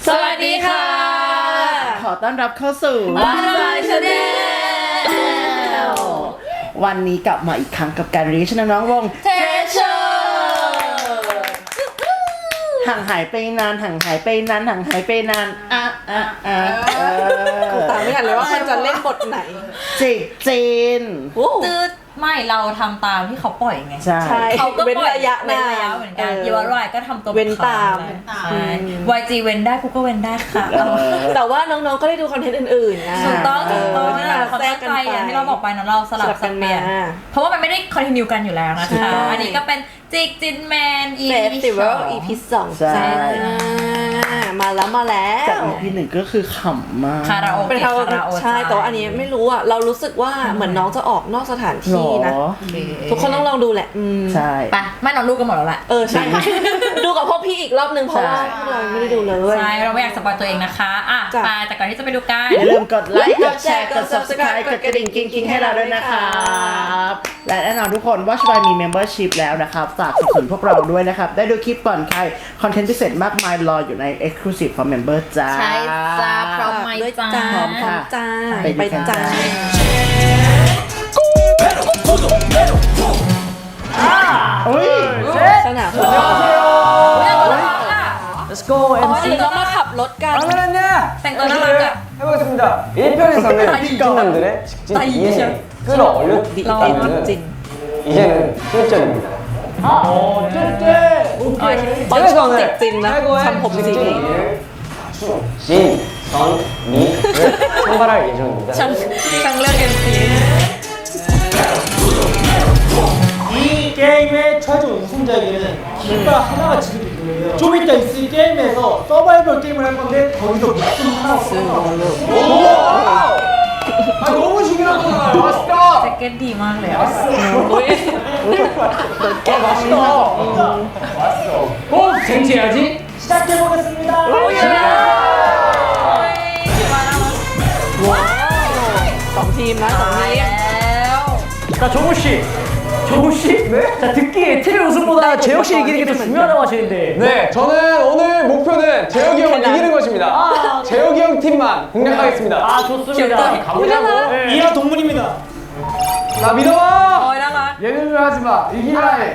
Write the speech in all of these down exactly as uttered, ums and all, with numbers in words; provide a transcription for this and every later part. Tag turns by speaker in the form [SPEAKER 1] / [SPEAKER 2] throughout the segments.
[SPEAKER 1] สวัสดีค่ะ
[SPEAKER 2] ขอต้อนรับเข้าสู่
[SPEAKER 1] Why Channel
[SPEAKER 2] วันนี้กลับมาอีกครั้งกับการรีชน้องๆวง
[SPEAKER 1] Treasure
[SPEAKER 2] ห่างหายไปนานห่างหายไปนานห่างหายไปนานอ่ะอ่ะอ่ะ
[SPEAKER 3] ตามไม่ทันเลยว่ามันจะเล่นบทไหน
[SPEAKER 2] จีจีน
[SPEAKER 1] ตืดไม่เราทำตามที่เขาปล่อยไง
[SPEAKER 2] ใช่
[SPEAKER 1] เขาก็ปล่อย
[SPEAKER 3] ระยะนาน
[SPEAKER 1] เหมือนกันยูวารายก็ทำตัว
[SPEAKER 3] เว้นตาม
[SPEAKER 1] ใช่ วาย จี เว้นได้กูก็เว้นได้ค่ะ
[SPEAKER 3] แต่ว่าน้องๆก็ได้ดูคอนเทนต์อื่นๆนะ
[SPEAKER 1] ถูกต้องถูกต้องที่เราแทรกกันไปที่เราบอกไปนะเราสลับสับเปลี่ยนเพราะว่ามันไม่ได้คอนติเนียกันอยู่แล้วนะคะอันนี้ก็เป็นจิกจินแมน อี
[SPEAKER 3] พี อี พี สองใช่มาแล้วมาแล้ว
[SPEAKER 2] จาก อี พี หนึ่งก็คือขำมาก
[SPEAKER 1] คาราโอเกะคาราโอเกะ
[SPEAKER 3] ใช่แต่ว่าอันนี้ไม่รู้อ่ะเรารู้สึกว่าเหมือนน้องจะออกนอกสถานที่นะทุกคนต้องลองดูแหละ
[SPEAKER 2] ใช่
[SPEAKER 1] ไปไม่น้องดูกันหมดแล้วแหละ
[SPEAKER 3] เออใช่ดูกับพวกพี่อีกรอบนึงเพราะว่าเราไม่ได้ดูเลย
[SPEAKER 1] ใช่เราไม่อยากสปอยตัวเองนะคะอ่ะไปแต่ก่อนที่จะไปดูกัน
[SPEAKER 2] อย่าลืมกดไลค์กดแชร์กด ซับสไครบ์ กดกระดิ่งกิ๊งๆให้เราด้วยนะครับและแน่นอนทุกคนว่าชบายมี membership แล้วนะครับฝากสนับสนุนพวกเราด้วยนะครับได้ดูคลิปก่อนใครคอนเทนต์พิเศษมากมายรออยู่ใน exclusive for member จ้า
[SPEAKER 1] ใช่จ้าพร้อมไหมจ้า
[SPEAKER 3] พร้อมค่ะจ้าไปจ้า
[SPEAKER 2] อุ้ย
[SPEAKER 3] สนามฟุตบอล
[SPEAKER 4] Let's go
[SPEAKER 3] อ๋อเดี๋ยวเรามาขับรถกัน
[SPEAKER 4] 그러면은요
[SPEAKER 1] แต่งตัวน่ารักอ่ะ
[SPEAKER 4] 해보겠습니다. 일 편에서는 직진남들의 직진 이행을 끌어올렸다면 이제는 실전입니다. 어, 쨘쨘! 오케이.
[SPEAKER 3] ตอนชอบจิกจินนะทำผมจริง
[SPEAKER 4] 진, 선, 미를 선발할 예정입니다.
[SPEAKER 1] ช่างช่างเลือก เอ็ม ซี
[SPEAKER 5] 이 게임의 최종 우승자에게는 깃발 하나가 지급될 거예요. 좀 이따 있을 게임에서 서바이벌 게임을 할 건데 거기서 목숨 하나 없어요. 아 너무 중요한 거잖아요. 맛있다.
[SPEAKER 1] แจ็คเก็ตดีมากเลยอ่ะ
[SPEAKER 4] 아, 맛있다. 어, 쟁취해야지.
[SPEAKER 5] 시작해 보겠습니다.
[SPEAKER 3] สองทีมนะสองทีม
[SPEAKER 4] 자, 정우 씨. 정우 씨? 네? 자, 듣기에 팀의 우승보다 재혁 씨 이기는 게 더 중요하다고 하시는데.
[SPEAKER 6] 네, 저는 오늘 목표는 재혁이 형 이기는 것입니다. 아, 재혁이 형 팀만 공략하겠습니다.
[SPEAKER 4] 아, 좋습니다. 가보자고. 네.
[SPEAKER 5] 이하 동문입니다.
[SPEAKER 6] 나 믿어봐.
[SPEAKER 1] โอ้ยน่ารัก
[SPEAKER 6] 예능을 하지 마. 이기라 해.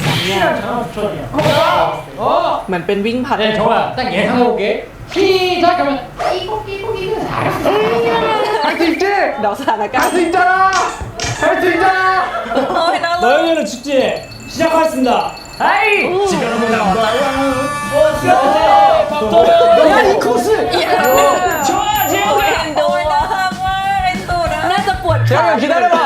[SPEAKER 6] 어.
[SPEAKER 3] เหมือนเป็นวิ่งผัด
[SPEAKER 4] 네, 정우야, 딱 예상해볼게. 시작하면.
[SPEAKER 6] 할 수 있지?
[SPEAKER 3] เดาสถานการ
[SPEAKER 6] 할
[SPEAKER 3] ณ์
[SPEAKER 6] 수 있잖아. 할 수 있잖아.
[SPEAKER 1] โอ้ยน่ารัก
[SPEAKER 5] 너희들은 축제 시작하겠습니다.
[SPEAKER 4] 아이! 지금은 나온다.
[SPEAKER 6] 야, 이 코스.
[SPEAKER 4] 좋아,
[SPEAKER 1] โอ้
[SPEAKER 4] 재혁아!
[SPEAKER 1] ยเอ็นดูน่ารักมากเอ็นดูนะ
[SPEAKER 3] น่าจะปวดขา
[SPEAKER 6] 재혁이 형 기다려봐.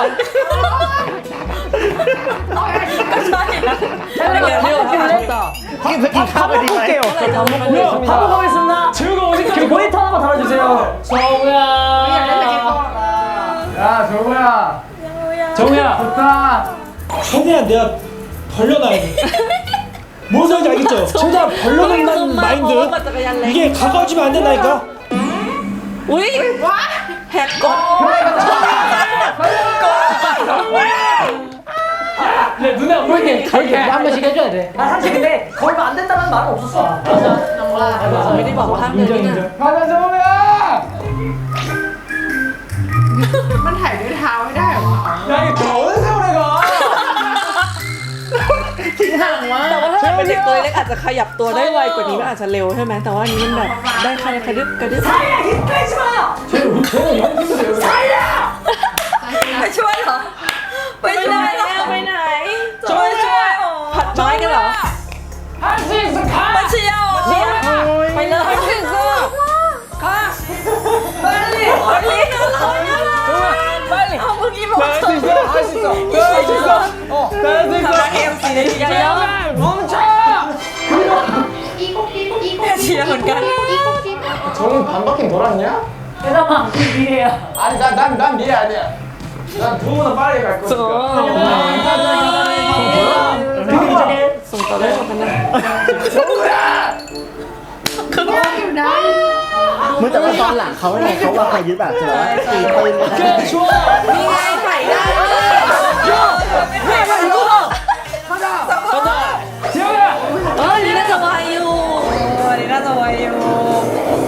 [SPEAKER 1] ก็ใช่นะ
[SPEAKER 3] ไม่เกี่ยวไม่เกี่ยวไม่เกี่ยว
[SPEAKER 2] กินไปกินข้าวไปดีไหม
[SPEAKER 4] 밥 먹어보겠습니다. 재혁아, 어디 저기 모니터 하나만 달아주세요. 정우야.
[SPEAKER 6] 야, 정우야.
[SPEAKER 4] 정우야.
[SPEAKER 6] 좋다.
[SPEAKER 5] 최대한 내가 벌려놔야 돼. 뭔 소리인지 알겠죠? 최대한 벌려놓는다는 마인드. 이게 가까워지면 안 된다니까.
[SPEAKER 3] อุ้ยแหกกฎ
[SPEAKER 4] 내 눈에 안 보이게 그렇게 한 번씩 해줘야 돼. 아, 사실 근데 걸면 안 된다는 말은 없었어. 맞아.
[SPEAKER 3] ไม่ได้บอกว่าห้ามเดินนี่นะ
[SPEAKER 6] 가자, 정우야.
[SPEAKER 3] มันถ่ายด้วยเท้าไม่ได้หรอ
[SPEAKER 6] 야, 이게 더 어느 세월에 가.
[SPEAKER 2] ทิ้งห่างวะ
[SPEAKER 3] แต่ว่าถ้าเป็นเด็กตัวเล็กอาจจะขยับตัวได้ไวกว่านี้มันอาจจะเร็วใช่ไหมแต่ว่าอันนี้มันแบบได้ใครกระดึบกระดึบ
[SPEAKER 1] ไปช่วยเหรอไปช่วยเหรอ
[SPEAKER 3] ไปไหน
[SPEAKER 1] ช่วยช่วย
[SPEAKER 3] ผัดไม้กันเหรอ
[SPEAKER 1] มาเชียวไปเลยไปเลยไปเลยไปเลยไปเลยเอาเมื่อกี้บอก
[SPEAKER 6] 할 수 있어. 할 수 있어. 할 수 있어. 어, 할 수
[SPEAKER 1] ทำไม
[SPEAKER 6] 있어.
[SPEAKER 1] เอ็มซีได้ยังไง
[SPEAKER 6] 멈춰.
[SPEAKER 1] เชียร์เหมือนกัน
[SPEAKER 6] 정우 반 바퀴 돌았냐?
[SPEAKER 4] 대답아, 그 미래야.
[SPEAKER 6] 아니, 난, 난, 난 미래 아니야. 난 두 번은 빨리 갈 거니까.
[SPEAKER 4] 어.
[SPEAKER 3] ส่งต่อได้คนนั้น
[SPEAKER 6] 정우야!
[SPEAKER 2] เมื่อแต่ว่าตอนหลังเขาเนี่ยเขาว่าใครยึดแบบจะว่าตีปืนกัน
[SPEAKER 5] 오케이 좋아.
[SPEAKER 3] นี่ไงใส่ได้
[SPEAKER 4] 재혁아!
[SPEAKER 3] เออนี่น่าจะวายอยู่
[SPEAKER 1] วันนี้น่าจะไวอยู่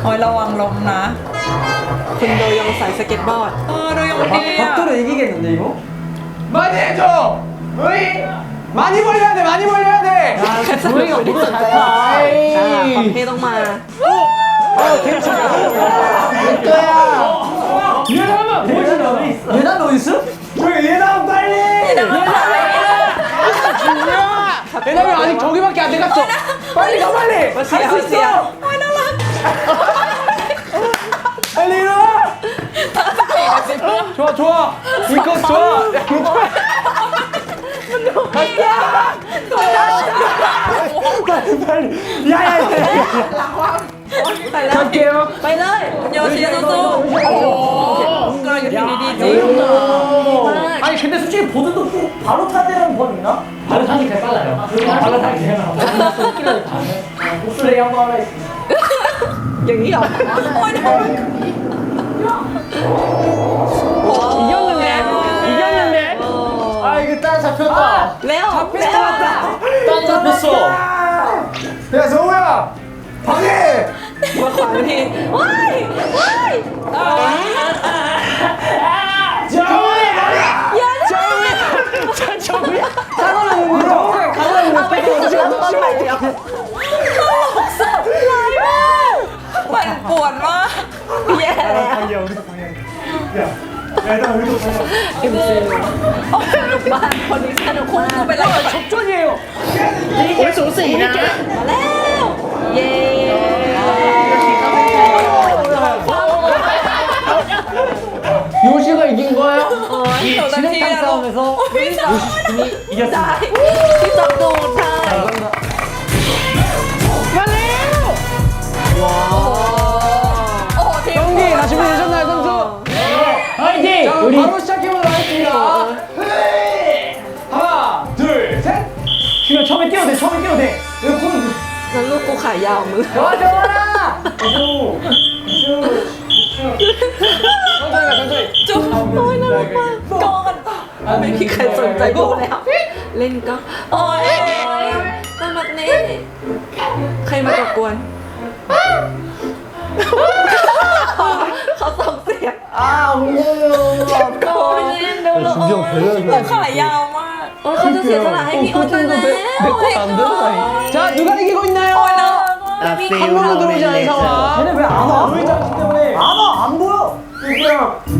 [SPEAKER 1] โอ้ยระวังล้มนะ
[SPEAKER 3] คุณโดยองใส่สเก็ตบอร์ด
[SPEAKER 1] เออดูยังดีอ่ะ
[SPEAKER 5] 박도를 이기겠는데 이거?
[SPEAKER 6] 많이 해줘. 으이. 많이 벌려야 돼. 많이 벌려야 돼.
[SPEAKER 3] ไม่อยู่ที่สนใจอ่าความเท่ต้องมา
[SPEAKER 5] 예담아 예담이 어디 있어? 예담이 어디 있어? 저기 예담 빨리!
[SPEAKER 6] 왜냐면 아직 저기밖에 안 돼갔어. 빨리 가 빨리.
[SPEAKER 3] 할 수 있어.
[SPEAKER 6] 빨리 일어나. 좋아 좋아. 이거 좋아.
[SPEAKER 5] 빨리 빨리! 야야야!
[SPEAKER 3] ไปแล้ว
[SPEAKER 5] 갈게요.
[SPEAKER 3] ไปเลย
[SPEAKER 1] โยชิสู้ๆโอ้โหกำลังอยู่ที่ดีๆจริง
[SPEAKER 5] 아니 근데 솔직히 보드도 꼭 바로 타대라는 법 있나? 바로 타기 개 빨라요. 바로 타기 개 빨라. 웃기려고 타네. 목소리 한번 하라 했어.
[SPEAKER 3] อย่างนี้เหรอ
[SPEAKER 6] 이겼는데. 이겼는데.
[SPEAKER 5] 아 이거 딱 잡혔다.
[SPEAKER 3] เร็วเร็ว
[SPEAKER 5] 딱 잡혔어.
[SPEAKER 6] 야 성우야. 방해.
[SPEAKER 3] มาขวางทีว้ายว้าย
[SPEAKER 5] 정우야!
[SPEAKER 6] 정우야.
[SPEAKER 5] 사과는 물어. 가만히
[SPEAKER 3] เอาไปที่สุดแล้วตอนไหนเดียว
[SPEAKER 1] มันปวดมาก
[SPEAKER 3] แย่แล้ว
[SPEAKER 5] 방이야 우리도 방이야. 야, 야 일단 우리도 방이야.
[SPEAKER 3] เอ็มซีสนุกมากคนนี้สนุก
[SPEAKER 1] คุณ
[SPEAKER 3] มาก
[SPEAKER 1] คือเป็นอะไร
[SPEAKER 5] 접전이에요.
[SPEAKER 2] โอ้ยสูสีนะ
[SPEAKER 3] มาแล้วเย้
[SPEAKER 6] 요시가 이긴 거야?
[SPEAKER 3] โอ้ย
[SPEAKER 5] 진행당 싸움에서
[SPEAKER 1] พี่สาว
[SPEAKER 5] 요시팀이
[SPEAKER 3] ได้
[SPEAKER 5] 이겼습니다.
[SPEAKER 3] ที่จับตูดค่ะ
[SPEAKER 1] โอ้โหทีม
[SPEAKER 6] 경기 다 준비되셨나요 선수?
[SPEAKER 5] 화이팅!
[SPEAKER 6] 자
[SPEAKER 5] 우리
[SPEAKER 6] 바로 시작해보도록 하겠습니다. 하나 둘 셋.
[SPEAKER 5] 지금 처음에 뛰어도 돼. 처음에 뛰어도 돼. 이거 코는
[SPEAKER 3] นั้นลูกกูขายาวมือ
[SPEAKER 5] 가져와라. 오.
[SPEAKER 6] 천천히 가 천천히.
[SPEAKER 1] จุ๊บ
[SPEAKER 3] โอ้ยน่ารักมาก
[SPEAKER 1] ก่อน
[SPEAKER 3] ไม่มีใครสนใจดูแล้ว เล่นก็
[SPEAKER 1] โอ้ย
[SPEAKER 3] น่ารักนี่ใครมาตะกวนเขาส่งเสียง
[SPEAKER 5] 아 무서워요.
[SPEAKER 3] โอ้ยเล่นดูแล้วโอ้ย
[SPEAKER 1] แต่ขายาวมาก
[SPEAKER 3] โอ้ยเขาจะเสียสละให้พี่โอ๊ตแล้ว
[SPEAKER 6] 자 누가 이기고 있나요?
[SPEAKER 1] โอ้ยน่ารักมาก
[SPEAKER 2] อ่ะ
[SPEAKER 1] พี่
[SPEAKER 2] ฟิล
[SPEAKER 6] 한 번도 들어오지 않은 상황.
[SPEAKER 5] 쟤네 왜 안 와? 보이지 않기 때문에 안 와. 안 보여. 이거야.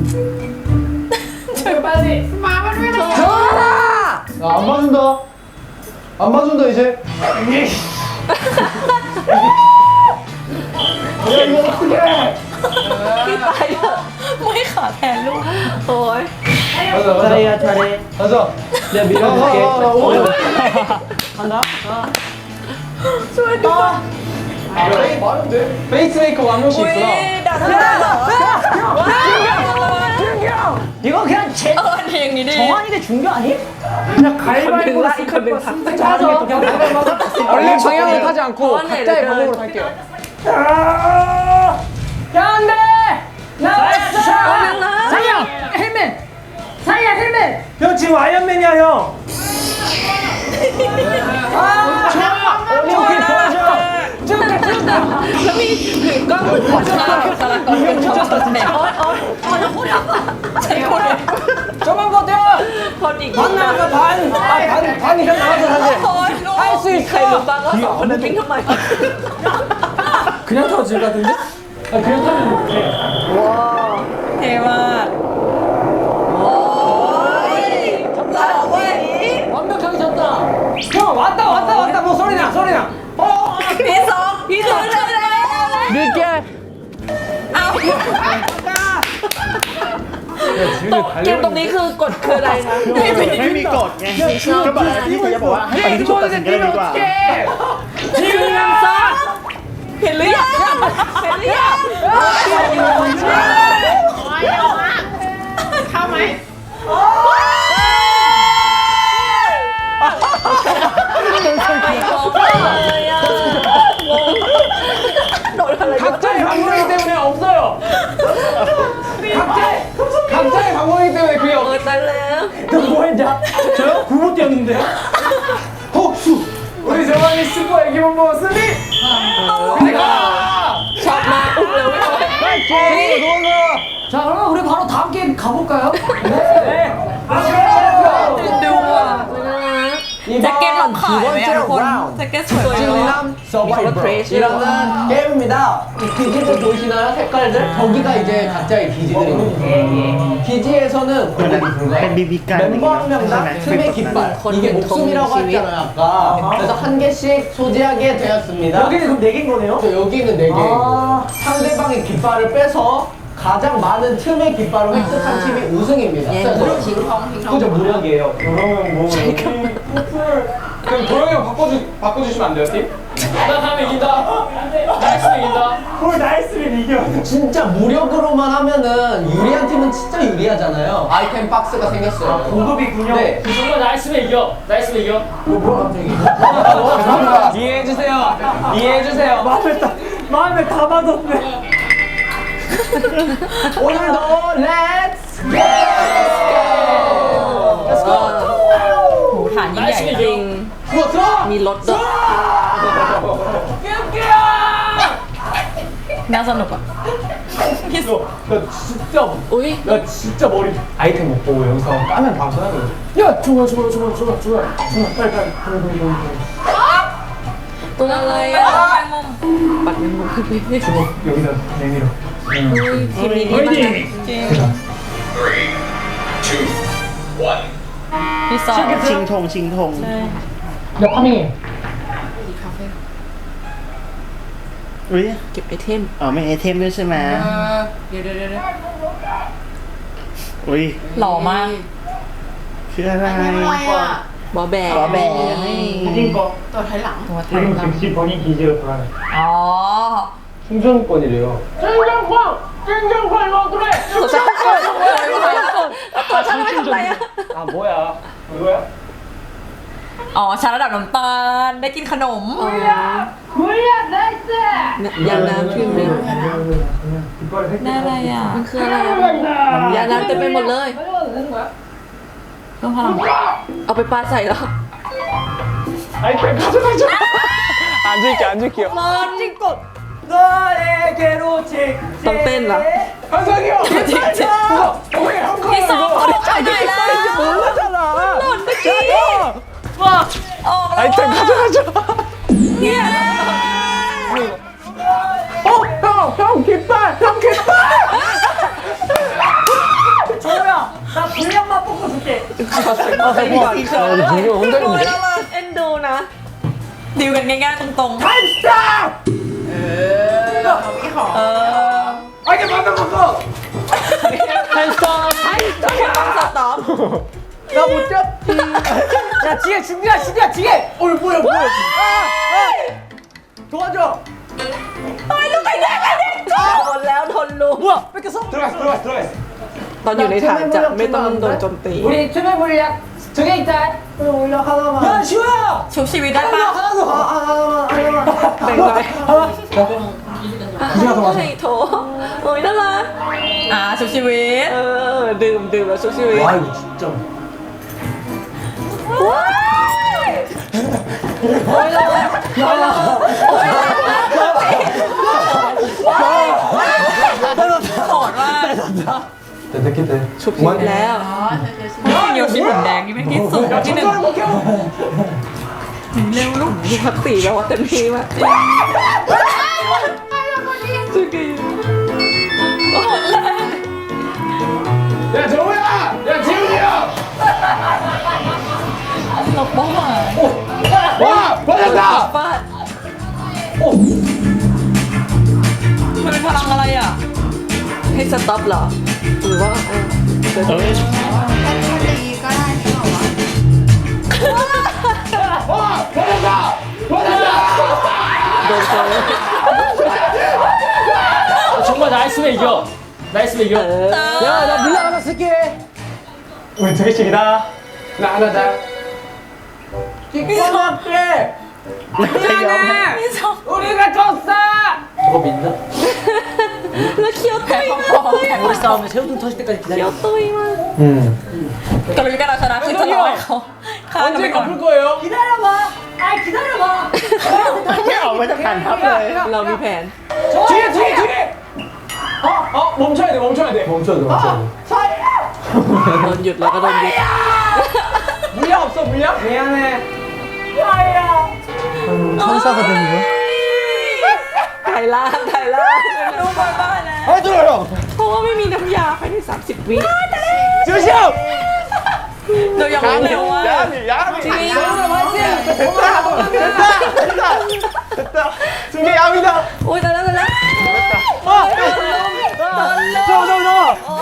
[SPEAKER 6] 전화! 안 봐준다. 안 봐준다 이제.
[SPEAKER 5] 야 이거 어떡해?
[SPEAKER 3] พี่ตายเถอะ
[SPEAKER 1] ไม่ขาแทนลูก
[SPEAKER 3] โอ้ย
[SPEAKER 6] 가자 가자.
[SPEAKER 5] 잘해야 잘해.
[SPEAKER 6] 가자.
[SPEAKER 5] 내가 밀어줄게.
[SPEAKER 6] 아, 아, 아, 오.
[SPEAKER 5] 간다.
[SPEAKER 6] 아, 많은데? 페이스메이커 한 명씩
[SPEAKER 1] อุ้ย
[SPEAKER 6] 있구나.
[SPEAKER 1] ดันได้เหรอ
[SPEAKER 5] 이거 그냥 제
[SPEAKER 1] เออทีอย่างนี้ดี
[SPEAKER 5] 정한이네 준거 아니? 그냥 가위바위보로
[SPEAKER 3] 건들라, 이 건들라.
[SPEAKER 5] 승자 하자. 그냥 가위바위보.
[SPEAKER 6] 원래 방향을 타지 않고
[SPEAKER 3] 어, 네,
[SPEAKER 6] 각자의
[SPEAKER 3] 네,
[SPEAKER 6] 방법으로
[SPEAKER 3] 네.
[SPEAKER 6] 탈게요.
[SPEAKER 5] 야 안돼. 나왔어.
[SPEAKER 3] 나.
[SPEAKER 5] 상영 헬멧. 상영 헬멧. 형 지금 아이언맨이야 형. 아 좋아. 오케이 도와줘.
[SPEAKER 3] แล้วมีถือกล้องเหมือนคนชอบสลักก่อนเป็นชอบแนวโอ๊ยโอ๊ยโอ๊ยแล้วพูดอะไรใช่คน
[SPEAKER 6] 저만 버텨!
[SPEAKER 3] คนอีก
[SPEAKER 6] 반 나왔어 반! 아, 반, 반 이상 나왔어 사실
[SPEAKER 1] โอ้ยลูก
[SPEAKER 6] 할 수
[SPEAKER 3] ใครรู้
[SPEAKER 6] 있어!
[SPEAKER 3] บ้างว่าสองคนนั้นทิ้งทำไม
[SPEAKER 5] 그냥 타도 질 같은데? 아 그냥 타면 돼.
[SPEAKER 1] เท่มากโอ้ยหล่อเว้ย
[SPEAKER 5] 완벽하게 졌다. 형 왔다 왔다 왔다 뭐 소리나 소리나. 어.
[SPEAKER 1] พี่สองพี่สองเร็วเร็วเร็ว
[SPEAKER 6] 늦게!
[SPEAKER 1] เอา
[SPEAKER 3] ตกเกมตรงนี้คือกฎคืออะไรคะ
[SPEAKER 2] ไม่มีกฎไงก็บอกแล้วที่เขาจะบอกว่าให้ไปที่จุดตัดสินกันเลยดีกว่า
[SPEAKER 3] หนึ่งสองเห็นหรือยังเห็นหรือยังเข้าไหมไปโกงเลยอ่ะโดนอะไร
[SPEAKER 6] 각자의 방법이기 때문에 없어요! 각자, 각자의 방법이기 때문에 그게
[SPEAKER 3] เอ
[SPEAKER 6] 없어요!
[SPEAKER 3] อตายแล้ว
[SPEAKER 5] 너 뭐했냐? 저요? 굴못 뛰었는데요? 헉수!
[SPEAKER 6] 우리 정환이 슈퍼 애기본부 승리! 근데 가!
[SPEAKER 3] ช็อกอุ้มเลยไม่เอา
[SPEAKER 4] 자 그러면 우리 바로 다음 게임 가볼까요?
[SPEAKER 1] ดูอ่ะแจ็คเก็ตลองขายไหมอะทุกคนแจ็คเก็ตสวยมาก
[SPEAKER 7] 서바이벌이라는 게임입니다. 이 기지들 보이시나요? 색깔들? 저기가 이제 각자의 기지들입니다. 기지에서는
[SPEAKER 2] มันเป็น
[SPEAKER 7] 공격이
[SPEAKER 2] เป็น
[SPEAKER 7] 불가해요.
[SPEAKER 2] บีบีกันอย่าง
[SPEAKER 7] 멤버
[SPEAKER 2] เงี้ย
[SPEAKER 7] 한
[SPEAKER 2] ใช่ไหม
[SPEAKER 7] 명당
[SPEAKER 2] เป็น
[SPEAKER 7] 틈의
[SPEAKER 2] แบบนั้น
[SPEAKER 7] 깃발. 이게 목숨이라고 했잖아요, 아까. 그래서 한 개씩 소지하게 되었습니다.
[SPEAKER 5] 여기는 그럼 네 개인 거네요?
[SPEAKER 7] 저 여기는 네 개. 상대방의 깃발을 빼서 가장 많은 틈의 깃발을 획득한 팀이 우승입니다. 그죠, 무력이에요.
[SPEAKER 5] 그러면 뭐
[SPEAKER 6] 그럼 도영이 형 바꿔주, 바꿔주시면 안 돼요, 팀? 나 다음에 이긴다. 나이스 이긴다.
[SPEAKER 5] 그걸 나이스면 이겨.
[SPEAKER 7] 진짜 무력으로만 하면은 유리한 팀은 진짜 유리하잖아요. 아이템 박스가 생겼어요.
[SPEAKER 5] 고급이군요.
[SPEAKER 7] 네.
[SPEAKER 4] 정말 나이스면 이겨. 나이스면 이겨.
[SPEAKER 7] 뭐 갑자기?
[SPEAKER 6] 죄송합니다. 이해해주세요. 이해해주세요.
[SPEAKER 5] 마음을 다 마음을 다 받았네.
[SPEAKER 7] 오늘도 렛츠 고! 렛츠 고!
[SPEAKER 1] โหฐานยิ่งใหญ่
[SPEAKER 4] 나이스면
[SPEAKER 3] จริง
[SPEAKER 7] 좋았어!
[SPEAKER 3] มีรถด้วย
[SPEAKER 1] น่าสนุกอ่ะพี่สุ
[SPEAKER 5] 나 진짜
[SPEAKER 3] อุ้ย
[SPEAKER 5] 나 진짜 머리 아이템 못 보고 영상 까면 방송해야 돼. 야 좋아 좋아 좋아 좋아 좋아 좋아 빨리 빨리 빨리 빨리 빨리.
[SPEAKER 3] ตัวอะไร
[SPEAKER 1] ไป
[SPEAKER 3] อ่ะ
[SPEAKER 1] มองไปมุม
[SPEAKER 3] ปัดเงินมุกขึ้นไปเฮ้ย
[SPEAKER 5] 주먹 여기다 내밀어.
[SPEAKER 3] ทีมนี้ดีมาก
[SPEAKER 1] จริงพี่สอง
[SPEAKER 2] ชิงธงชิงธง
[SPEAKER 4] 야 파밍해.
[SPEAKER 2] อุ้ย
[SPEAKER 3] เก็บไอเทม
[SPEAKER 2] อ๋อไม่ไอเทมด้วยใช่ไหม
[SPEAKER 3] เดี๋ยวเดี๋ยวเดี๋ยว
[SPEAKER 2] อุ้ย
[SPEAKER 1] หล่อมาก
[SPEAKER 2] คืออะไร
[SPEAKER 3] บอแบก
[SPEAKER 2] บอแบก
[SPEAKER 5] 이긴 거.
[SPEAKER 1] ตัวไทยหลัง
[SPEAKER 5] 지금 즉시 본인 기지로 돌아가.
[SPEAKER 1] อ๋อ
[SPEAKER 6] 충전권이래요.
[SPEAKER 3] ตัวฉันตัวฉันไม่ทำอะไรอ่ะ
[SPEAKER 6] 아 뭐야? 이거야?
[SPEAKER 1] อ๋อชาระดับน้ำตาลได้กินขนม
[SPEAKER 3] ยาน้ำพิมพ์เลย
[SPEAKER 5] 이빨을
[SPEAKER 1] ได้อะไรอ่ะ
[SPEAKER 3] มันคืออะไรอ่ะยาน้ำเต็มไปหมดเลย
[SPEAKER 1] เพิ่มพลัง
[SPEAKER 3] เอาไปปาใส่แล้ว
[SPEAKER 6] 아이템 가져가죠. 안 줄게 안 줄게요.
[SPEAKER 5] 너에게로 직.
[SPEAKER 3] ต้องเต้นเหรอ
[SPEAKER 6] 한상이 형. 왜 형?
[SPEAKER 1] พี่สองของไปไหนแล้ว
[SPEAKER 6] 몰랐잖아.
[SPEAKER 1] หล่นเมื่อกี้ว้าออกแล้ว
[SPEAKER 6] 아이템 가져가죠.
[SPEAKER 1] เนี่ย
[SPEAKER 6] 어, 형, 형 깃발, 형 깃발.
[SPEAKER 5] 정우야 나 분량만 뽑고 줄게.
[SPEAKER 3] เอาไปก่อน
[SPEAKER 6] 이거 혼자
[SPEAKER 1] โอ้ย
[SPEAKER 6] 있는데?
[SPEAKER 1] น่ารัก
[SPEAKER 3] เอ็นดูนะ
[SPEAKER 1] ดิวกันง่ายๆตรงๆ
[SPEAKER 5] 타임스탑.
[SPEAKER 1] เออ
[SPEAKER 5] 아이템 만든 거.
[SPEAKER 6] 타임스톱.
[SPEAKER 3] ต้องสต็อป
[SPEAKER 5] 나못 잡. 야 지혜 준비야 준비야 지혜. 어 뭐야 뭐야. 아, 아. 도와줘.
[SPEAKER 3] หมดแล้วทนรู้
[SPEAKER 5] 뭐야 뺏겼어?
[SPEAKER 6] 들어갔어, 들어갔어, 들어갔어.
[SPEAKER 3] ตอนอยู่ในฐานจะไม่ต้องโดนโจมตี
[SPEAKER 4] 우리 투명 물약 두 개 있다.
[SPEAKER 5] 올려 하나만. 야 시호야.
[SPEAKER 1] ชุบชีวิตได้ปะ
[SPEAKER 5] 하나 더. 아, 아 하나만 하나만.
[SPEAKER 3] แบ่งไป
[SPEAKER 5] 가져가서
[SPEAKER 3] ให้โถโอ้ยน่ารัก
[SPEAKER 1] อ่าชุบชีวิต
[SPEAKER 3] เออ ดื่มดื่มแล้วชุบชีวิต
[SPEAKER 5] 와 이거 진짜.
[SPEAKER 3] ว้าย
[SPEAKER 1] โหดมาก
[SPEAKER 6] 됐겠다.
[SPEAKER 3] ชุบชีวิตแล้ว
[SPEAKER 1] โยชิเหมือนแดงนี่เป็นที่สุดที่หนึ่งเร็วลูก
[SPEAKER 3] มีพักสีแบบว่าเต็มที่มากสุกี้
[SPEAKER 6] 야 정우야, 야 지훈이 형.
[SPEAKER 1] หลบเป้าหมาย
[SPEAKER 6] 와, 맞았다.
[SPEAKER 3] ฟาด
[SPEAKER 1] มันเป็นพลังอะไรอ่ะ
[SPEAKER 3] ให้สต็อปเหรอ หรือว่าเออเดี๋ยว
[SPEAKER 2] เอ้ย
[SPEAKER 6] 와, 맞았다. 맞았다.
[SPEAKER 3] โดนโจม
[SPEAKER 4] 정말 나이스면 이겨. 나이스면 이겨.
[SPEAKER 5] 야 나 물량 하나 쓸게. 우리 두 개씩이다.
[SPEAKER 6] 나 하나 다.
[SPEAKER 5] 기꺼막게.
[SPEAKER 1] พี่สอง
[SPEAKER 5] 우리가 졌어.
[SPEAKER 6] 저거 믿나?
[SPEAKER 3] แล้วเคี้ยวตุยมากเลยอะ
[SPEAKER 5] 우리 싸움에 새우등 터질 때까지
[SPEAKER 3] เคี้ยว
[SPEAKER 5] 기다려.
[SPEAKER 3] ตุยมาก
[SPEAKER 1] กำลังการเอาชนะคือจะรอให้เขาฆ่ากันไป
[SPEAKER 6] 언제
[SPEAKER 1] ก่อน
[SPEAKER 6] 갚을 거예요?
[SPEAKER 5] 기다려봐.
[SPEAKER 4] 아이 기다려봐.
[SPEAKER 2] ไม่ออกมาจากฐานทัพเลย
[SPEAKER 3] เรามีแผน
[SPEAKER 6] 뒤에 뒤에 뒤에. 어, 어 멈춰야 돼 멈춰야 돼.
[SPEAKER 7] 멈춰야 돼 멈춰야 돼
[SPEAKER 3] โดนหยุดแล้วก็โดนยึด
[SPEAKER 6] 물량 없어 물량? 미안해.
[SPEAKER 2] 천사거든요
[SPEAKER 3] ไทยล่างไทยล่าง
[SPEAKER 1] รู้บ้านนะ
[SPEAKER 2] เฮ้ยตัวหรอ
[SPEAKER 3] เพราะว่าไม่มีน้ำยาภายในสามสิบวิ
[SPEAKER 2] 조심
[SPEAKER 1] เรายังไม่เร็วว่า
[SPEAKER 2] 야미 야미
[SPEAKER 3] จริง
[SPEAKER 2] 됐다 됐다 됐다 됐다 승계 야미다
[SPEAKER 3] โอ้ยตายแล้วตายแล้ว
[SPEAKER 2] 잡아 잡아 잡아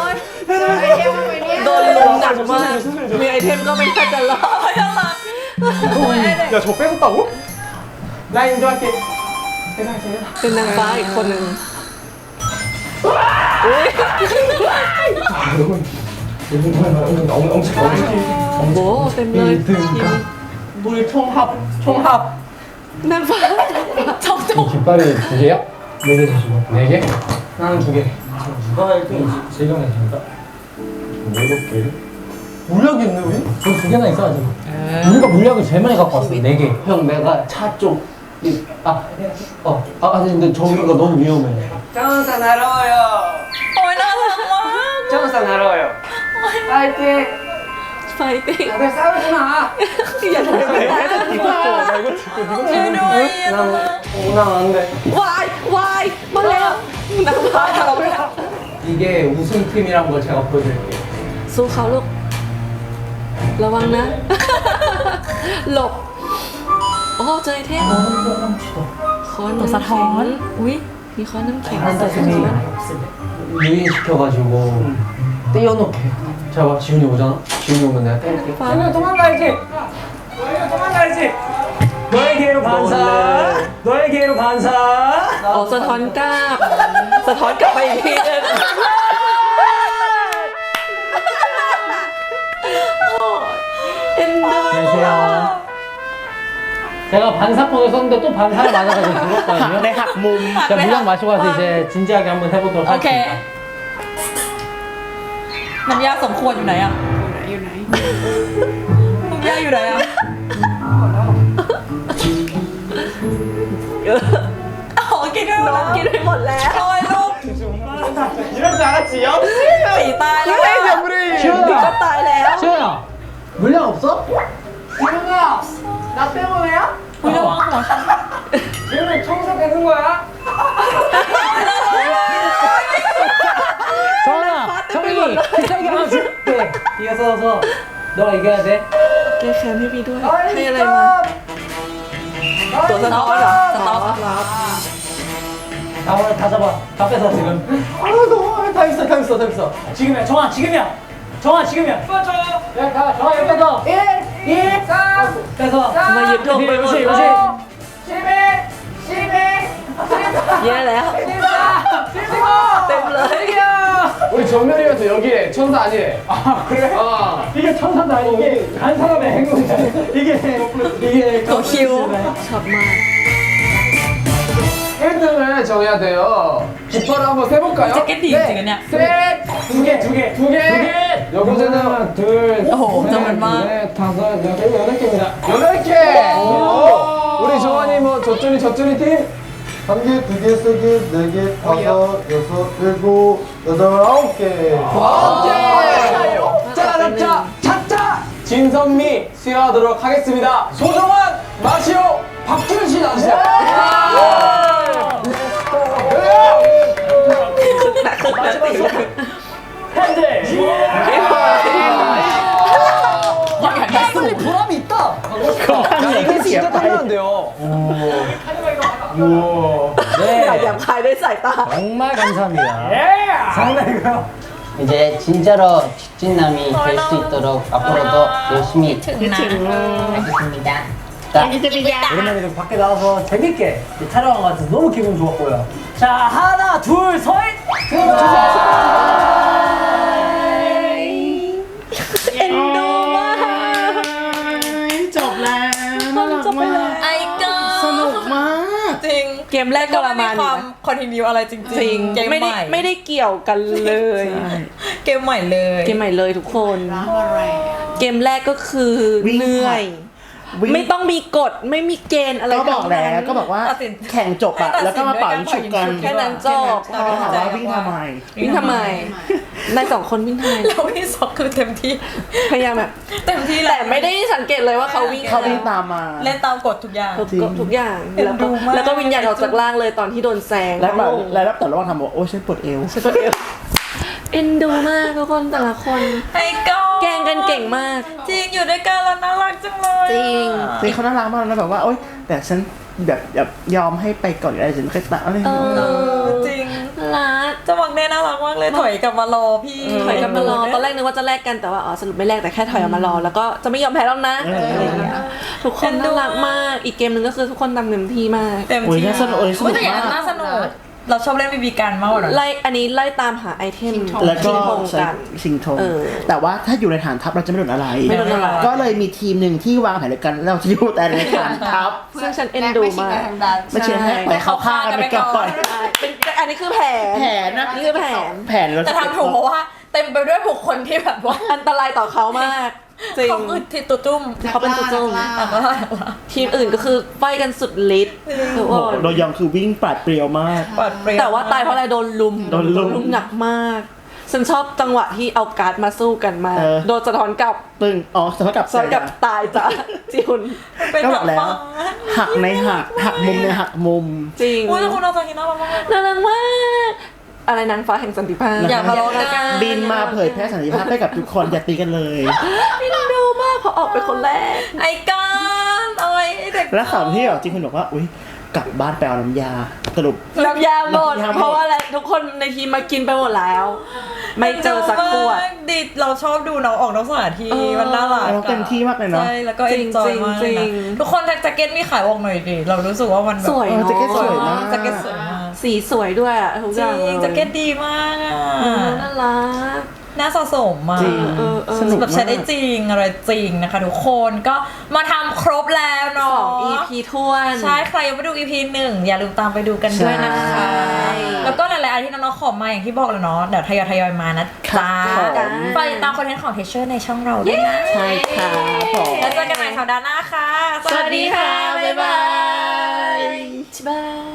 [SPEAKER 3] โดนลุมหนักมากมีไอเทมก็ไม่น่าจะรอด
[SPEAKER 1] ยังรัก
[SPEAKER 2] 야저 뺏었다고?
[SPEAKER 6] 나 인도할게.
[SPEAKER 3] เป็นนางฟ้าอีกคนหนึ่ง
[SPEAKER 7] 엄청 엄청
[SPEAKER 3] โอ้โหเต็มเลยทีม
[SPEAKER 6] 우리 총합 총합.
[SPEAKER 3] นางฟ้า
[SPEAKER 7] 깃발이 두 개야? 네개 주시고 네 개? 나는 두 개.
[SPEAKER 5] 누가 일 등이지?
[SPEAKER 7] 재경이 됩니까? 일곱 개. 물약이 있네 우리? 우리 두 개나 있어 아직. 우리가 물약을 제일 많이 갖고 왔어 네 개. 형 내가 차 쪽. 이, 아, 어, 아, 아니 근데 저기가 너무 위험해.
[SPEAKER 6] 정사 날아와요.
[SPEAKER 1] โอ้ยน่ารักมาก
[SPEAKER 6] 정사 날아와요. 파이팅.
[SPEAKER 3] ไฟติ้ง
[SPEAKER 6] 다들 싸우지 마.
[SPEAKER 3] อย่าทำแบบนี้
[SPEAKER 1] ช่วยด้วย
[SPEAKER 6] 난 오나 안 돼.
[SPEAKER 3] วายวายมาแล้วนางฟ้าทะเลาะกัน
[SPEAKER 7] 이게 우승팀이란 걸 제가 보여드릴게요.
[SPEAKER 3] สู้เขาลูกระวังนะ หลบโอ้เจอไอเทมค้อนน้ำ
[SPEAKER 1] สะท้อน
[SPEAKER 3] อุ้ยมีค้อนน้ำแข็งใส่ข้างบน
[SPEAKER 7] 유인시켜가지고 떼어놓게. 자, 봐, 지훈이 오잖아. 지훈이 오면 내가 떼올게.
[SPEAKER 6] 너희는 도망가야지. 너희는 도망가야지. 너의 기회로 반사. 너의 기회로 반사.
[SPEAKER 3] อ๋อสะท้อนกลับสะท้อนกลับไปอีกทีนึง เอ็นดู
[SPEAKER 4] 안녕하세요. 제가 반사폰을 썼는데 또 반사를 맞아가지고 죽었거든요.
[SPEAKER 2] ในหักมุม
[SPEAKER 4] 자, 물량 마시고 와서 이제 진지하게 한번 해보도록
[SPEAKER 1] โอเค
[SPEAKER 4] 하겠습니다.
[SPEAKER 1] น้ำยาสมควรอยู่ไหนอ่ะ อยู่ไหน น้ำยาอยู่ไหนอ่ะอ๋อกินด้วย
[SPEAKER 3] น้องกินไปหมดแล้ว
[SPEAKER 1] โอ้ยลูก
[SPEAKER 2] 이럴 줄 알았지 역시
[SPEAKER 1] สีตายแล้วอะ
[SPEAKER 2] 우리
[SPEAKER 3] นี่ก็ตายแล้ว
[SPEAKER 4] 시호야, 물량 없어?
[SPEAKER 6] 지훈아, 나 때문에야?
[SPEAKER 1] อุ๊ยระวังหัวฉัน
[SPEAKER 6] 지훈이 청소 되는 거야?
[SPEAKER 4] 정아, 정이 비싸게 하나 줄게. 이어서서 너가 이겨야 돼.
[SPEAKER 3] แก้แค้นให้พี่ด้วย ให้อะไรมา ตัวสะท้อนเหรอสะท้อนรับ
[SPEAKER 4] 나 오늘 다 잡아. 다 뺏어 지금.
[SPEAKER 7] 아, 너무 다 있어, 다 있어, 다 있어.
[SPEAKER 4] 지금이야, 정아, 지금이야. 정아, 지금이야.
[SPEAKER 6] 맞아.
[SPEAKER 4] 야, 가, 정아 여기 뺏어.
[SPEAKER 6] 일, 이, 삼,
[SPEAKER 4] 뺏어.
[SPEAKER 3] มายึดโลกไปหมด
[SPEAKER 4] 요시,
[SPEAKER 3] เล
[SPEAKER 4] 요시.
[SPEAKER 3] ย
[SPEAKER 6] 십일, 십이,
[SPEAKER 3] แย่แล้ว
[SPEAKER 6] 십사, 십오.
[SPEAKER 3] เต็มเลย
[SPEAKER 7] 우리 정면이면서 여기에 천사 아니래.
[SPEAKER 6] 아 그래?
[SPEAKER 7] 어.
[SPEAKER 6] 이게 천사도 아니고 이게 간 사람의 행동이야. 이게 이게
[SPEAKER 3] ตัวคิวชอบมาก
[SPEAKER 7] 일 등을 정해야 돼요. 깃발을 한번 세볼까요?
[SPEAKER 1] แจ็คเก็ตดีจริงๆอันเนี่ย
[SPEAKER 7] 셋,
[SPEAKER 6] 두 개, 두 개,
[SPEAKER 7] 두 개. 여기서는 둘,
[SPEAKER 1] 오,
[SPEAKER 7] 셋,
[SPEAKER 1] 잠깐만.
[SPEAKER 7] 넷, 다섯, 여섯, 여덟 개입니다. 여덟 개. 오. 우리 정환이 뭐 저쭈니 저쭈니 팀.
[SPEAKER 8] 한 개, 두 개, 세 개, 네 개, 다섯, 여섯, 일곱, 여덟, 아홉 개.
[SPEAKER 7] 아홉 개. 자, 자, 차차. 진선미 수여하도록 하겠습니다. 소정환, 마시오, 박준 씨 나주세요.
[SPEAKER 6] 핸들.
[SPEAKER 7] 빨리 보람이 있다. 야, 이게 진짜 탐나는데요.
[SPEAKER 4] 네.
[SPEAKER 3] อยากหยาบคายด้วยสายตา
[SPEAKER 4] 정말 감사합니다.
[SPEAKER 6] 장난이고요.
[SPEAKER 9] 이제 진짜로 직진남이 될 수 있도록 앞으로도 열심히
[SPEAKER 1] ถึงนะ
[SPEAKER 9] 하겠습니다.
[SPEAKER 4] 오랜만에 좀 밖에 나와서 재밌게 촬영한 것 같아서 너무 기분 좋았고요.
[SPEAKER 6] 자 하나 둘 셋.
[SPEAKER 2] จบแล้วน่ารักมาก
[SPEAKER 1] ไอ้ก็
[SPEAKER 2] สนุกมาก
[SPEAKER 1] จริง
[SPEAKER 3] เกมแรกก็ประมาณ
[SPEAKER 1] ค
[SPEAKER 3] นี้
[SPEAKER 1] วาม
[SPEAKER 3] นะ
[SPEAKER 1] คอนติเนียอะไรจริง
[SPEAKER 3] จริง
[SPEAKER 1] เกม
[SPEAKER 3] ไม่
[SPEAKER 1] ให
[SPEAKER 3] ได้
[SPEAKER 1] ม่
[SPEAKER 3] ไม่ได้เกี่ยวกันเลย
[SPEAKER 1] เกมใหม่เลย
[SPEAKER 3] เกมใหม่เลยทุกคน เกมแรกก็คือเหนื่อย
[SPEAKER 2] วิ่ง
[SPEAKER 3] ไม่ต้องมีกฎไม่มีเกณฑ์อะไร
[SPEAKER 2] ก็บอกแล้ว
[SPEAKER 3] ทั้งนั้น
[SPEAKER 2] ก็บอกว่า
[SPEAKER 1] ตัดสิน
[SPEAKER 2] แข่งจบอะ
[SPEAKER 1] ให้ตัดสิน
[SPEAKER 2] แล้วก็มาเป่ายิงฉุบกัน
[SPEAKER 1] ด้วยการเป่ายิงฉุบ
[SPEAKER 3] แค่นั้นจบ
[SPEAKER 2] ก็ถามว่าวิ่งทำไม
[SPEAKER 3] วิ่งทำไมนายสองคนวิ่งทำไม
[SPEAKER 1] แล้วพี่ซอกคือเต็มที่
[SPEAKER 3] พยายามแบบ
[SPEAKER 1] เต็มที่
[SPEAKER 3] แต่ไม่ได้สังเกตเลยว่าเขาวิ่ง
[SPEAKER 2] เขาวิ่งตามมา
[SPEAKER 1] เล่นตามกฎทุกอย่าง
[SPEAKER 3] ทุกทุกอย่าง
[SPEAKER 1] เอ็น
[SPEAKER 3] แล้ว
[SPEAKER 1] ดู
[SPEAKER 3] ก็
[SPEAKER 1] มาก
[SPEAKER 3] แล้วก็วิญญาณออกจากร่างเลยตอนที่โดนแซง
[SPEAKER 2] แล้วแบบ
[SPEAKER 3] งง
[SPEAKER 2] แล้วแต่ระหว่างทำบอกโอ้ฉันปวดเอว
[SPEAKER 3] เอ็นดูมากทุกคนแต่ละคน
[SPEAKER 1] ไอ้ก้อน
[SPEAKER 3] แกล้งกันเก่งมาก
[SPEAKER 1] จริงอยู่ด้วยกันแล้วน่ารักจังเลย
[SPEAKER 3] จริง
[SPEAKER 2] จริงเขาน่ารักมากแล้วแบบว่าโอ๊ยแต่ฉันแบบแบบยอมให้ไปก่อนอะไรฉันก็ตะอะไร
[SPEAKER 3] เอ
[SPEAKER 1] เอ
[SPEAKER 3] อ
[SPEAKER 1] อจริง
[SPEAKER 3] รัก
[SPEAKER 1] จะมังเน่น่ารักมากเลยถอยกลับมารอพี่
[SPEAKER 3] ถอยกลับมารอตอนแรกนึกว่าจะแลกกันแต่ว่าอ๋อสรุปไม่แลกแต่แค่ถอยออกมารอแล้วก็จะไม่ยอมแพ้แล้วนะอะไรอย่างเงี้ยทุกคนน่ารักมากอีกเกมหนึ่งก็คือทุกคนทำเต็มที่มาก
[SPEAKER 1] เต็ม
[SPEAKER 2] โอ้ย
[SPEAKER 1] ที่
[SPEAKER 2] น่าสนุกเอ้ยส
[SPEAKER 1] อุ๊
[SPEAKER 2] นุ
[SPEAKER 1] ย
[SPEAKER 2] ก
[SPEAKER 1] แต่อย่าง
[SPEAKER 2] มา
[SPEAKER 1] นั้น
[SPEAKER 2] ก
[SPEAKER 1] น่าสนุกเราชอบเล่นบีบีกันมากกว่านั้น
[SPEAKER 3] ไล่อันนี้ไล่ตามหาไอเทม
[SPEAKER 2] แล้วก็
[SPEAKER 3] ชิงธง
[SPEAKER 2] ใช้
[SPEAKER 3] กัน
[SPEAKER 2] ชิงธง
[SPEAKER 3] เออ
[SPEAKER 2] แต่ว่าถ้าอยู่ในฐานทัพเราจะไม่โดนอะไร
[SPEAKER 3] ไม่โดนอะไร
[SPEAKER 2] ก็เลยมีทีมหนึ่งที่วางแผนด้วยกันเราจะอยู่แต่ในฐานทัพ
[SPEAKER 3] ซึ่งฉันเอ็นดูมาก
[SPEAKER 2] ไม่เชื่อให้ไปเข้าข้างกันไปก่อน
[SPEAKER 3] ใช่เป็นอันนี้คือแผน
[SPEAKER 2] แผนนะ
[SPEAKER 3] นี่คือแผน
[SPEAKER 2] แผนเรา
[SPEAKER 1] แต่ทำถูกเพราะว่าเต็มไปด้วยบุคคลที่แบบว่า
[SPEAKER 3] อันตรายต่อเขามากจริง
[SPEAKER 1] เขาอึดที่ตุตุ้ม
[SPEAKER 3] เขาเป็นตัวจุ้ม
[SPEAKER 1] แต่ว่า
[SPEAKER 3] ทีมอื่นก็คือไฟกันสุดฤทธิ์ทุก
[SPEAKER 2] โอ้
[SPEAKER 3] ค
[SPEAKER 2] โห
[SPEAKER 3] น
[SPEAKER 2] โดยองคือวิ่งปราดเปรียวมาก
[SPEAKER 1] ปลอดเปรี้ยว
[SPEAKER 3] แต่ว่าตายเพราะอะไรโดนลุม
[SPEAKER 2] โดนลุม
[SPEAKER 3] หนักมากฉันชอบจังหวะที่เอาการ์ดมาสู้กันมาก
[SPEAKER 2] เออ
[SPEAKER 3] โดนสะท้อนกลับ
[SPEAKER 2] ตึงอ๋อสะท้อนกลับ
[SPEAKER 3] สะท้อนกลับ
[SPEAKER 2] ใส่
[SPEAKER 3] ตายจ้ะจิว
[SPEAKER 1] เป็น
[SPEAKER 2] ก็
[SPEAKER 1] แบบ บ
[SPEAKER 2] อกแล้ว
[SPEAKER 1] ฟ้า
[SPEAKER 2] หักในหักหักมุมในหักมุม
[SPEAKER 3] จริง
[SPEAKER 1] อุ้ยแต่คุณเอาซาฮิน่ารักมากเลย
[SPEAKER 3] น่ารักมากอะไรนางฟ้าแห่งสันติภาพ
[SPEAKER 1] อย่าทะเลาะกัน
[SPEAKER 2] บินมาเผยแพร่สันติภาพให้กับทุกคนอย่าตีกันเลย
[SPEAKER 3] นี่นางดูมากเพราะออกเป็นคนแรก
[SPEAKER 1] ไอ้กันเอาไอ้เด็ก
[SPEAKER 2] แล้วข่าวที่แบบจริงคุณบอกว่าอุ้ยกลับบ้านไปเอาน้ำยาสรุป
[SPEAKER 3] น้ำยาหมด
[SPEAKER 2] น้ำยาหมด
[SPEAKER 3] เพราะว่าอะไรทุกคนในทีมมากินไปหมดแล้ว ไม่เจอสักขวด
[SPEAKER 1] ดิเราชอบดูน้องออกนอกสถานที่
[SPEAKER 3] เออ
[SPEAKER 1] มันน่ารัก
[SPEAKER 2] เราเต็มที่มากเลยเนาะ
[SPEAKER 1] ใช่แล้วก็
[SPEAKER 3] จริ
[SPEAKER 1] เอ็
[SPEAKER 3] ง
[SPEAKER 1] นจอยมาก
[SPEAKER 3] จ
[SPEAKER 1] เล
[SPEAKER 3] ริ
[SPEAKER 1] ย
[SPEAKER 3] ง
[SPEAKER 1] นะทุกคนแจ็คเก็ตมีขายออกหน่อยดิเรารู้สึกว่ามันแบบ
[SPEAKER 3] สวย
[SPEAKER 2] เออ
[SPEAKER 3] เนาะ
[SPEAKER 2] แจ็คเก็ตสวยมาก
[SPEAKER 1] แจ็คเก็ตสวยมาก
[SPEAKER 3] สีสวยด้วยอะทุก
[SPEAKER 1] จ
[SPEAKER 3] อ
[SPEAKER 1] ริ
[SPEAKER 3] ย่างเลย
[SPEAKER 1] งแจ็คเก็ตดีมากอ่ะ
[SPEAKER 3] เออน่ารัก
[SPEAKER 1] น่าสะสมอ่ะ
[SPEAKER 2] จริง
[SPEAKER 3] เออเออ
[SPEAKER 2] สนุก
[SPEAKER 1] แบบ
[SPEAKER 2] มา
[SPEAKER 1] ใช้ได้
[SPEAKER 2] ก
[SPEAKER 1] จริงอะไรจริงนะคะทุกคนก็มาทำครบแล้ว
[SPEAKER 3] ส
[SPEAKER 1] เนาะ
[SPEAKER 3] อง อี พี ท้วน
[SPEAKER 1] ใช่ใครยังไม่ดู อี พี หนึ่งอย่าลืมตามไปดูกันด้วยนะคะ
[SPEAKER 3] ใช่
[SPEAKER 1] แล้วก็หลายๆอันที่น้องๆขอมาอย่างที่บอกแล้วเนาะเดี๋ยวทยอยทยอยมานะจ้า
[SPEAKER 2] ครับผม
[SPEAKER 1] ไปติดตามคอนเทนต์ของเทเชอร์ในช่องเราด้วยนะ
[SPEAKER 2] ใช่ครับผม
[SPEAKER 1] แล้วเจอกันใหม่สัปดาห์หน้าค่ะ
[SPEAKER 3] สวัสดีค่ะ บ๊ายบายบ๊ายบาย